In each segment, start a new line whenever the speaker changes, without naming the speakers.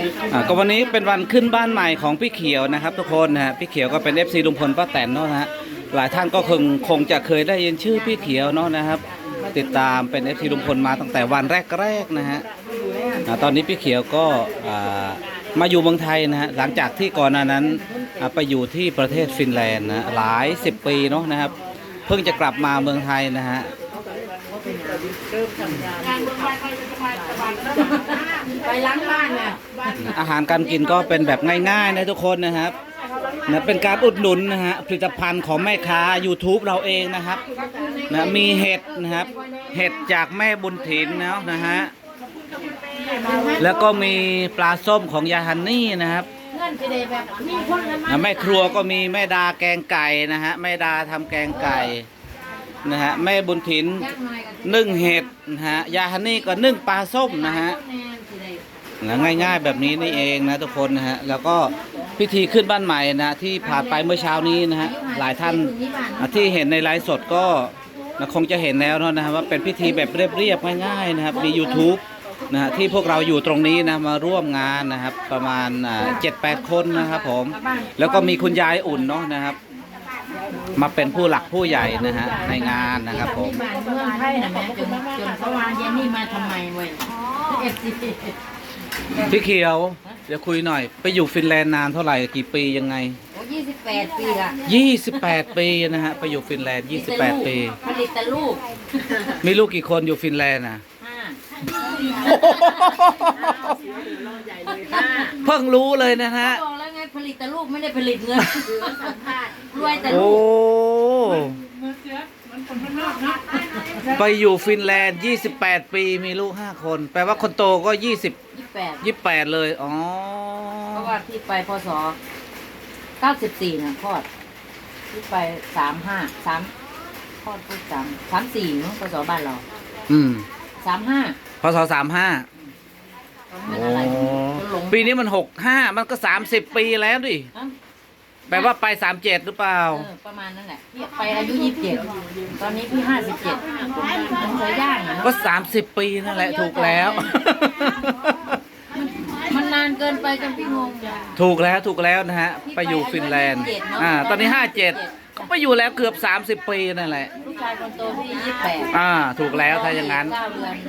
ก็วันนี้เป็นวันขึ้นบ้านใหม่ของพี่เขียวนะครับทุกคนนะฮะพี่เขียวก็เป็น FC ลุงพลป้าแตนเนาะนะฮะหลายท่านก็คงจะเคยได้ยินชื่อพี่เขียวเนาะนะครับติดตามเป็น FC ลุงพลมาตั้งแต่วันแรกๆนะฮะตอนนี้พี่เขียวก็มาอยู่เมืองไทยนะฮะหลังจากที่ก่อนหน้านั้นไปอยู่ที่ประเทศฟินแลนด์นะหลาย10 ปีเนาะนะครับเพิ่งจะกลับมาเมืองไทยนะฮะ
ไปล้างบ้านเนี่ย
อาหารการกินก็เป็นแบบง่ายๆนะทุกคนนะครับนะเป็นการอุดหนุนนะฮะผลิตภัณฑ์ของแม่ค้า YouTube เราเองนะครับนะมีเห็ดนะครับเห็ดจากแม่บุญถิ่นนะฮะแล้วก็มีปลาส้มของยายฮันนี่นะครับแม่ครัวก็มีแม่ดาแกงไก่นะฮะแม่ดาทำแกงไก่นะฮะแม่บุญถิ่นนึ่งเห็ดนะฮะยายฮันนี่ก็นึ่งปลาส้มนะฮะง่ายๆแบบนี้นี่เองนะทุกคนนะฮะแล้วก็พิธีขึ้นบ้านใหม่นะที่ผ่านไปเมื่อเช้านี้นะฮะหลายท่านที่เห็นในไลฟ์สดก็คงจะเห็นแล้วนะฮะว่าเป็นพิธีแบบเรียบๆง่ายๆนะครับมี YouTube นะฮะที่พวกเราอยู่ตรงนี้นะมาร่วมงานนะครับประมาณ7-8 คนนะครับผมแล้วก็มีคุณยายอุ่นเนาะนะครับมาเป็นผู้หลักผู้ใหญ่นะฮะในงานนะครับผม
เมืองไทยนะแม่จนเขาวานเย็นนี่มาทำไมเว้ย
พี่เขียวเดี๋ยวคุยหน่อยไปอยู่ฟินแลนด์นานเท่าไหร่กี่ปียังไง
โอ้28 ปีละ
28 ปีนะฮะไปอยู่ฟินแลนด์28 ปี
ผลิตแต่ลูก
มีลูกกี่คนอยู่ฟินแลนด์นะเพิ่งรู้เลยนะฮะ
บอกแล้วไงผลิตแต่ลูกไม่ได้ผลิตเงินรวยแต่ลูก
โอ้ไปอยู่ฟินแลนด์28 ปีมีลูก5 คนแปลว่าคนโตก็28เลยอ๋อ
เพราะว่าพี่ไปพศ94นะคลอดพี่ไป35คลอดพูด34มั้งพศบ้านเรา35
พศ35ปีนี้มัน65มันก็30 ปีแล้วดิแปลว่าไป37หรือเปล่า
ประมาณนั้นแหละพี่ไปอายุ27ตอนนี้พี่57มันจะย่างอ่ะ
ก็30 ปีนั่นแหละถูกแล้ว
มันนานเกินไปจนพี่งง
ถูกแล้วนะฮะไปอยู่ฟินแลนด์ตอนนี้57ก็ไปอยู่แล้วเกือบ30 ปีนั่นแหละ
ลูกชายคนโตพี่28
ถูกแล้วถ้าอย่างนั้น
9 เดือน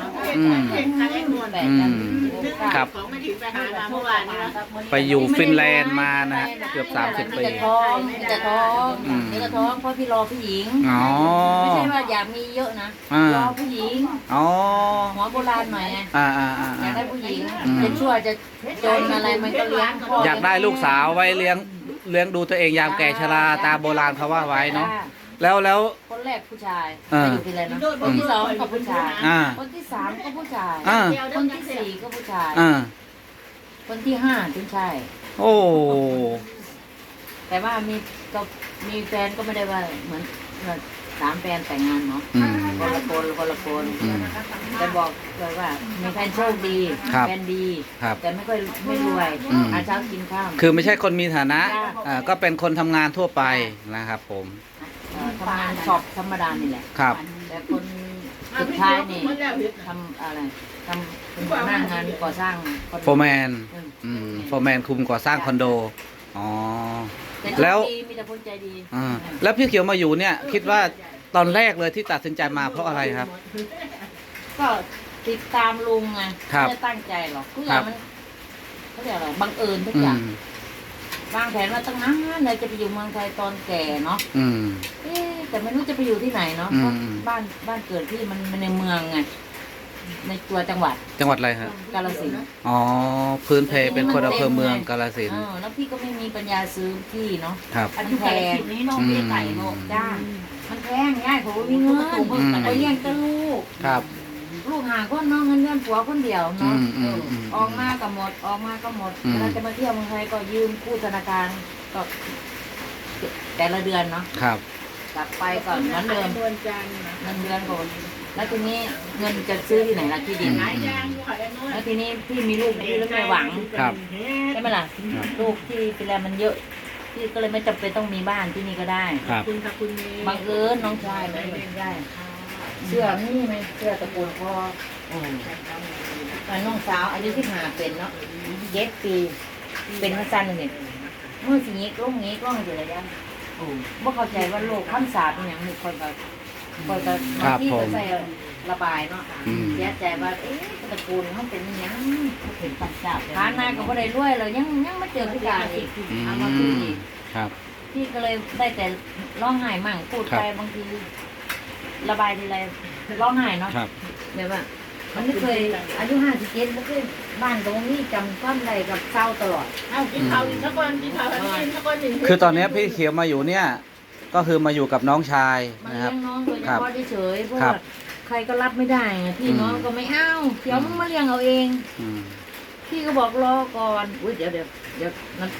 ครับไปอยู่ฟินแลนด์มานะฮะเกือบ30 ปี
จะท้องนี่ก็ท้องเพราะพี่รอผู้หญิงไม่ใช่ว่าอยากมีเยอะนะรอผู้หญิงหัวโบราณหน่อยไงอยากได้ผู้หญิงจะชั่วจะจนอะไรมันก็เลี้ยง
อยากได้ลูกสาวไว้เลี้ยงดูตัวเองยามแก่ชราตามโบราณเขาว่าไว้เนาะแล้ว
คนแรกผู้ชายอยู่ที่ไรนะคนที่2ก็ผู้ชายคนที่3ก็ผู้ชายคนที่4ก็ผู้ชายคนที่5ผู้ชาย
โอ้
แต่ว่ามีแฟนก็ไม่ได้ว่าเหมือน3 แฟนแต่งงานเนาะคนละคนแต่บอกเลยว่ามีแฟนโชคดีแฟนดีแต่ไม่รวยหาเช้ากินข้าว
คือไม่ใช่คนมีฐานะก็เป็นคนทำงานทั่วไปนะครับผม
ทำงานสอบธรรมดานี่แหละ
ครับ
แต่คนสุดท้ายนี่ทำอะไรทำเป็นหัวหน้างานก่อสร้าง
โฟร์แมนคุมก่อสร้างคอนโดแล้ว
มีแต่คนใจดี
แล้วพี่เขียวมาอยู่เนี่ยคิดว่าตอนแรกเลยที่ตัดสินใจมาเพราะอะไรครับ
ก็ติดตามลุงไงไม่ได้ตั้งใจหรอกทุกอย่างมันเขาเรียกอะไรบังเอิญทุกอย่างวางแผนว่าตั้งนานเลยจะไปอยู่เมืองไทยตอนแก่เนาะแต่ไม่รู้จะไปอยู่ที่ไหนเนาะเพราะบ้านเกิดที่มันในเมืองไงในตัวจังหวัด
อะไรครับ
กาฬสินธุ์
พื้นเพเป็นคนอำเภอเมืองกาฬสินธุ์
แล้วพี่ก็ไม่มีปัญญาซื้อที่เนาะ
อัน
แพงนี้น้องพี่ไก่โลกจ้ามันแพงง่ายผมมีเงินไปเลี้ยงแต่ลูกลูกหาคนน้องเงินเดือนผัวคนเดียวเนาะออกมาก็หมดเราจะมาเที่ยวเมืองไทยก็ยืมกู้ธนาคารก็แต่ละเดือนเนาะกลับไปก่อนเหมือนเดิมเงินเดือนก่อนแล้วทีนี้เงินจะซื้อที่ไหนล่ะที่ดินแล้วทีนี้พี่มีลูกพี่แล้วไม่หวังใช่ไหมล่ะลูกที่เป็นอะไรมันเยอะพี่ก็เลยไม่จำเป็นต้องมีบ้านที่นี่ก็ได้บังเอิญน้องชายไม่ได้เสื้อนี่ไหมเสื้อตะปูนพ่อน้องสาวอายุ15เป็นเนาะ 7 ปีเป็นมาสั้นเนี่ยมือสิงี้กล้องงี้กล้องอยู่เลยยังบ่เข้าใจว่าโลกคำสาปเป็นหยังมีคนก็บางที่ก็ใส่ระบายเนาะเสียใจว่าตระกูลเขาเป็นหยังเป็นคำสาปฐานะก็บ่ได้รวยเลยยังมาเจอพิการอีกเอามาคืออีก
ครับ
พี่ก็เลยได้แต่ร้องไห้มั่งพูดไปบางทีระบายทีไรร้องไห้เนาะแบบว่ามันไม่เคยอายุ57ไม่เคยบ้านตรงนี้จำก้อนใดกับเศร้าตลอด
เอากินข้าวอีกสักคนกินข้าวกินสักคนหนึ่ง
คือตอนนี้พี่เขียวมาอยู่เนี่ยก็คือมาอยู่กับน้องชาย
มา
นะครับ
เลี้ยงน้องโดยเฉพาะเฉยๆเพราะว่าใครก็รับไม่ได้ไงพี่น้องก็ไม่เอาเขียวมึงมาเลี้ยงเอาเองพี่ก็บอกรอก่อนอุ้ยเดี๋ยวนั้น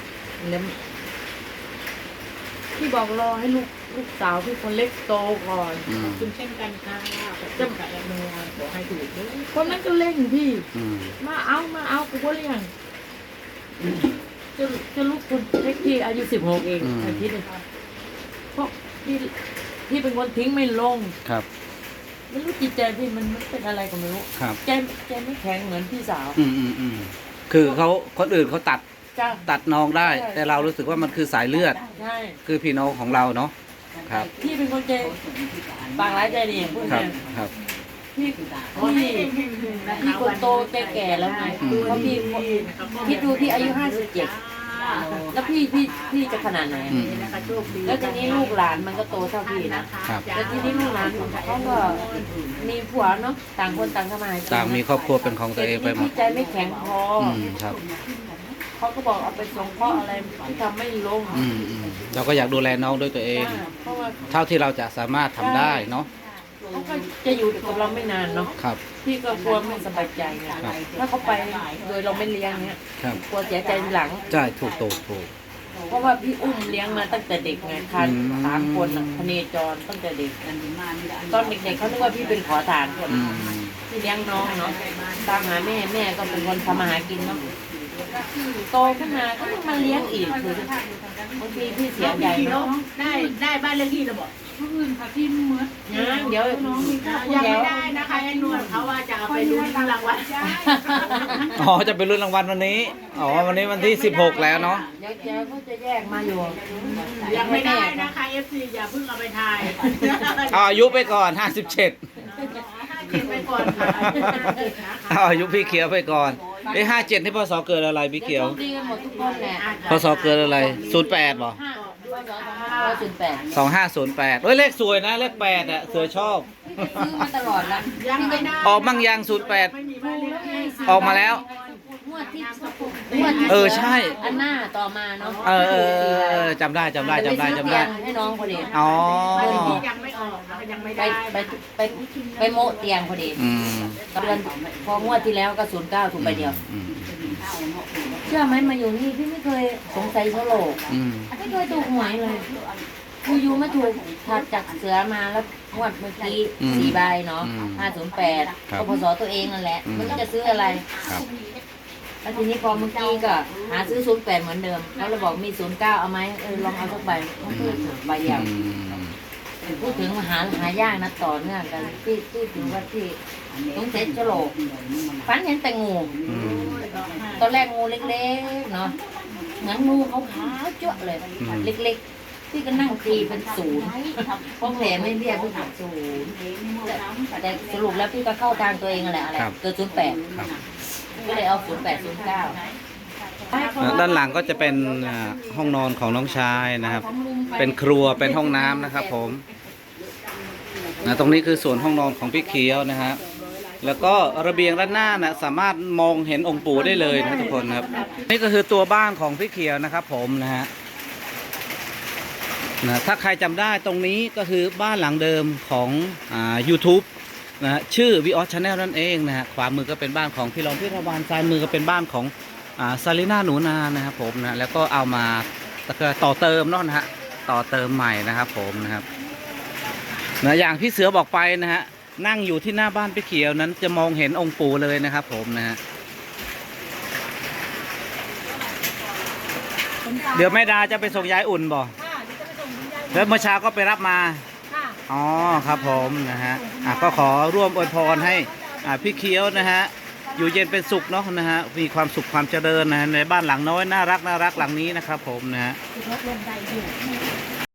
พี่บอกรอให้ลูกสาวพี่คนเล็กโตก่อน
คุณเช่นกันค่ะจะกับแอดมินขอให้ถูกด้วย
คนนั้นก็เล่นพี่มาเอากูก็เลี้ยงจะลูกคนเล็กพี่อายุ16เองอาทิตย์นึงเพราะพี่เป็นคนทิ้งไม่ลง
ครับ
ไม่รู้จิตใจพี่มันเป็นอะไรก็ไม่รู้ใจไม่แข็งเหมือนพี่สาว
คือคนอื่นเขาตัดน้องได้แต่เรารู้สึกว่ามันคือสายเลือดคือพี่น้องของเราเนาะครับ
พี่เป็นคนใจบางร้ายใจดีพูดเลย
ครับ
พี่คนโตใจแก่แล้วไงเพราะพี่ดูพี่อายุ57แล้วพี่จะขนาดไหนแล้วทีนี้ลูกหลานมันก็โตเท่าพี่นะแล้วทีนี้ลูกหลานเขาก็มีผัวเนาะต่างคนต่างทำงาน
ต่างมีครอบครัวเป็นของตัวเองไปหมด
ใจไม่แข็งพอ
ครับ
เขาก็บอกเอาไปส่งเพราะอะไรที่ทำไม่ลง
เราก็อยากดูแลน้องด้วยตัวเองเท่าที่เราจะสามารถทำได้เนาะ
เขาก็จะอยู่กับเราไม่นานเนาะพี่ก็กลัวไม่สบายใจไงถ้าเขาไปโดยเราไม่เลี้ยงเนี้ยกลัวเสียใจทีหลัง
ใช่ถูก
เพราะว่าพี่อุ้มเลี้ยงมาตั้งแต่เด็กไงคัน3 คนพเนจรตั้งแต่เด็กตอนเด็กๆเขาคิดว่าพี่เป็นขอทานคนพี่เลี้ยงน้องเนาะตามหาแม่ก็เป็นคนทำมาหากินเนาะโตขึ้นมาก็ยังมาเลี้ยงอีกคือบางทีพี่เสียใจเนาะ
ได้บ้านเลขที่เราบอกอื่นค่ะที่เมื่อ
เดี๋ยว
น้องมียังไม่ได้นะคะไอ้นวลเขาว่าจะเอาไปลุ้นรางวัล
อ๋อจะไปลุ้นรางวัลวันนี้วันนี้วันที่16แล้วเนาะ
เดี๋ยวเขาจะแยกมาอยู่
ยังไม่ได้นะคะFCอย่าเพิ่งเอาไปทาย
อายุไปก่อน57
ไปก่อนค่ะ
อายุพี่เขียวไปก่อน57ที่พศเกิดอะไรพี่เขียว
ดีกันหมดทุกคนแหละ
พศเกิดอะไร08บ่2508เลขสวยนะเลข8อ่ะเสือชอบ
ซื้อมาตลอดแล้ว
ยังไม่ได้
ออกมั่งยัง08ออกมาแล้วใช่
อันหน้าต่อมาเนาะ
จำได้
ให้น้องพอดี
ยังไม่ออกยังไม่ได้
ไปโมเตียงพอดีตอนพองวดที่แล้วก็09ถูกไปเดียวเชื่อไหมมาอยู่นี่พี่ไม่เคยสงสัยโซโลไม่เคยถูกหวยเลยอยู่มาถูกถัดจากเสือมาแล้วงวดเมื่อกี้4 ใบเนาะ508ก็พศตัวเองนั่นแหละมันจะซื้ออะไรแล้วทีนี้พอเมื่อกี้ก็หาซื้อ08เหมือนเดิมเขาเลยบอกมี09เอาไหมลองเอาสักใบเขาพูดใบเดียวพูดถึงหายากนะต่อเนื่องกันที่ถือว่าที่ต้องเซ็ตโฉลกฝันเห็นแต่งูตอนแรกงูเล็กๆเนาะงั้นงูเขาขาวเจ้าเลยเล็กๆที่ก็นั่งตีเป็น0เพราะแผลไม่เรียบพี่ถึง0แต่สรุปแล้วพี่ก็เข้าทางตัวเองแหละอะไรเกิด08ก็เลยเอา0809
ด้านหลังก็จะเป็นห้องนอนของน้องชายนะครับเป็นครัวเป็นห้องน้ำนะครับผมตรงนี้คือส่วนห้องนอนของพี่เขียวนะครับแล้วก็ระเบียงด้านหน้านะสามารถมองเห็นองค์ปู่ได้เลยนะทุกคนครับนี่ก็คือตัวบ้านของพี่เขียวนะครับผมนะฮะถ้าใครจำได้ตรงนี้ก็คือบ้านหลังเดิมของYouTube นะชื่อ Vios Channel นั่นเองนะฮะขวามือก็เป็นบ้านของพี่รองพี่ทวารซ้ายมือก็เป็นบ้านของซาลิน่าหนูนานะครับผมนะแล้วก็เอามาต่อเติมเนาะนะฮะต่อเติมใหม่นะครับผมนะครับนะอย่างพี่เสือบอกไปนะฮะนั่งอยู่ที่หน้าบ้านพี่เขียวนั้นจะมองเห็นองค์ปู่เลยนะครับผมนะฮะเดี๋ยวแม่ดาจะไปส่งยายอุ่นบ่แล้วเมื่อเช้าก็ไปรับมาอ๋อครับผมนะฮะก็ขอร่วมอวยพรให้พี่เขียวนะฮะอยู่เย็นเป็นสุขเนาะนะฮะมีความสุขความเจริญนะฮะในบ้านหลังน้อยน่ารักหลังนี้นะครับผมนะฮะ